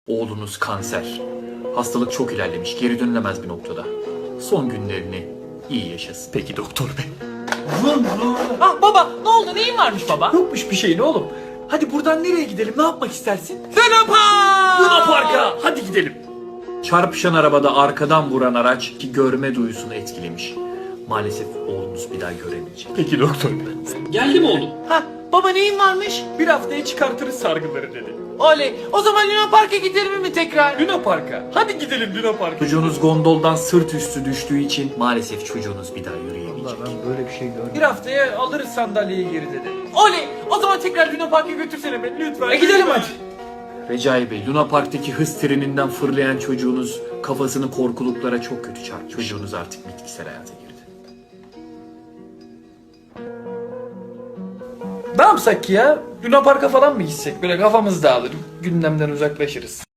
Oğlunuz kanser. Hastalık çok ilerlemiş, geri dönülemez bir noktada. Son günlerini iyi yaşasın. Peki doktor bey. Ah baba, ne oldu, neyin varmış baba? Yokmuş bir şeyin oğlum. Hadi buradan nereye gidelim? Ne yapmak istersin? Luna Park! Luna Park'a. Hadi gidelim. Çarpışan arabada arkadan vuran araç ki görme duyusunu etkilemiş. Maalesef oğlunuz bir daha göremeyecek. Peki doktor bey. Geldi mi oğlum? Ha baba, neyin varmış? Bir haftaya çıkartırız sargıları dedi. Oley, o zaman Luna Park'a gidelim mi tekrar? Luna Park'a. Hadi gidelim Luna Park'a. Çocuğunuz gondoldan sırt üstü düştüğü için maalesef çocuğunuz bir daha yürüyemeyecek. Bir haftaya alırız sandalyeyi geri dedi. Oley, o zaman tekrar Luna Park'a götürsene beni lütfen. Gidelim hadi. Recai Bey, Luna Park'taki hız treninden fırlayan çocuğunuz kafasını korkuluklara çok kötü çarptı. Çocuğunuz artık bitkisel hayata girdi. Ne yapsak ya? Luna Park'a falan mı gitsek? Böyle kafamız dağılır. Gündemden uzaklaşırız.